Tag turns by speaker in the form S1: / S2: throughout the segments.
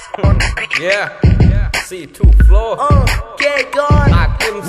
S1: Yeah, C2 Flow.
S2: Get gone.
S1: Mark MC.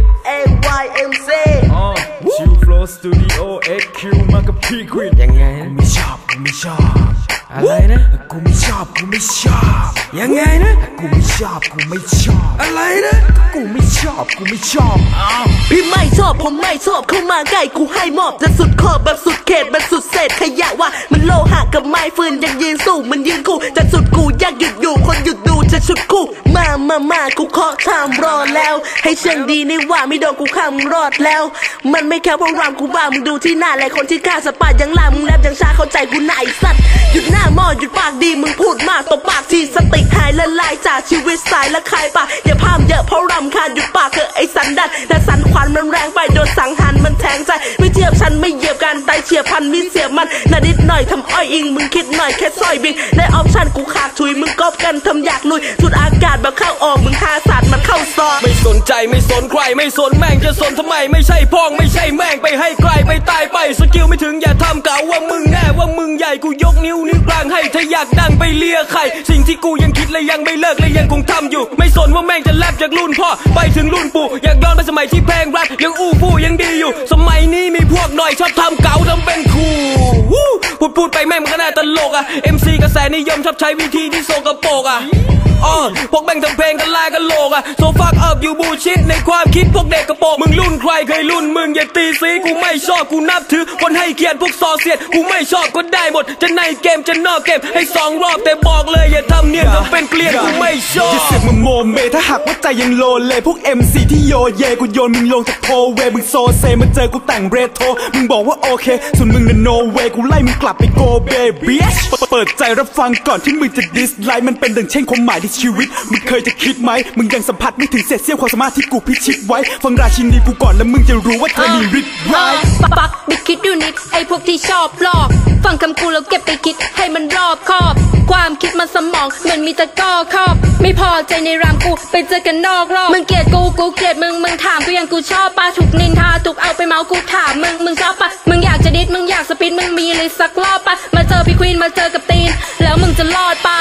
S2: AYMC.
S3: Chill Flow Studio XQ มากับพี่ควีน
S1: ยังไง
S3: กูไม่ชอบอะไรนะกูไม่ชอบยังไงนะกูไม่ชอบอะไรนะกูไม่ชอบ
S2: พี่ไม่ชอบผมไม่ชอบเข้ามาใกล้กูให้มอบจะสุดขอบแบบสุดเขตแบบสุดเศษขยะว่ามันโลหะกับไม้ฟืนยังยืนสู้มันยืนคู่จะสุดกูอยากหยุดอยู่คนหยุดดูจะชุดคู่มากูเคาะทามรอแล้วให้เชิงดีนี่ว่าไม่โดนกูข้ามรอดแล้วมันไม่แค่เพราะรามกูบ้ามึงดูที่หน้าและคนที่กล้าสปาดยังล่ามึงแลบยังชาเข้าใจกูหน่ายสัตว์หยุดหน้าหม้อหยุดปากดีมึงพูดมากตบปากทีสติหายละลายจากชีวิตสายละคายปากอย่าพามเยอะเพราะรำคาญหยุดปากเถอะไอ้สันดันแต่สันขวัญมันแรงไปโดนสังหารมันแทงใจไม่เทียบฉันไม่เหยียบกันตายเฉียบพันมิเสียบมันนานิดหน่อยทำอ้อยอิงมึงคิดหน่อยแค่ซอยบิงได้ออปชั่นกูขาดชุยมึงก๊อปกันทำอยากลุยสุดอากาศแบบเข้าออกมึงหาศาสตร์มันเข้าซอก
S1: ไม่สนใจไม่สนใครไม่สนแม่งจะสนทำไมไม่ใช่พ้องไม่ใช่แม่งไปให้ใครไปตายไปสกิลไม่ถึงอย่าทำกล่าวว่ามึงแน่ว่ามึงใหญ่กูยกนิ้วกลางให้ถ้าอยากดังไปเลียใครสิ่งที่กูยังคิดและยังไม่เลิกและยังคงทำอยู่ไม่สนว่าแม่งจะแลบจากรุ่นพ่อไปถึงรุ่นปู่อยากย้อนไปสมัยที่แพงรักยังอู้ฟู่ยังดีอยู่สมัยนี้มีพวกหน่อยชอบทำเก๋าทำเป็นคูลพูดไปแม่งมันก็น่าตลกอ่ะ MC กระแสนิยมชอบใช้วิธีที่โซกโปกอ่ะพวกแม่งทำเพลงกันลายกันโลกอะโซฟักอัพอยู่บูชิดในความคิดพวกเด็กกระโปงมึงรุ่นใครเคยรุ่นมึงอย่าตีสีกูไม่ชอบกูนับถือคนให้เกียรติพวกซอเสียดกูไม่ชอบก็ได้หมดจะในเกมจะนอกเกมให้2 รอบแต่บอกเลยอย่าทำเนียนทำเป็นเกลียดกูไม่ชอบ
S3: อย่าเสือกมาโมเมถ้าหากว่าใจยังโลเลพวก MC ที่โยเยกูโยนมึงลงจากโพเวมึงโซเซมาเจอกูแต่งเรโทรมึงบอกว่าโอเคส่วนมึงน่ะโนเวกูไล่มึงกลับไปโกเบบีเปิดใจรับฟังก่อนที่มึงจะดิสไลค์มันเป็นดังเช่นความหมายที่ชีวิตมึงเคยจะคิดไหมมึงยังสัมผัสไม่ถึงเศษเสี้ยวความสามารถที่กูพิชิตไว้ฟังราชินีกูก่อนแล้วมึงจะรู้ว่าเธอมีฤทธิ์ร้าย
S4: ปักบิดคิดดูนิดไอพวกที่ชอบหลอกฟังคำกูแล้วเก็บไปคิดให้มันรอบคอบความคิดมันสมองมันมีแต่ก้อคอบไม่พอใจในรามกูไปเจอกันนอกรอบมึงเกลียดกูเกลียดมึงถามกูยังกูชอบปะถูกนินทาถูกเอาไปเมากูถามมึงชอบปะมึงอยากจะดิสมึงอยากสปินมึงมีเลยสักรอบปะมาเจอพี่ควีนมาเจอกับตีนแล้วมึงจะรอดปะ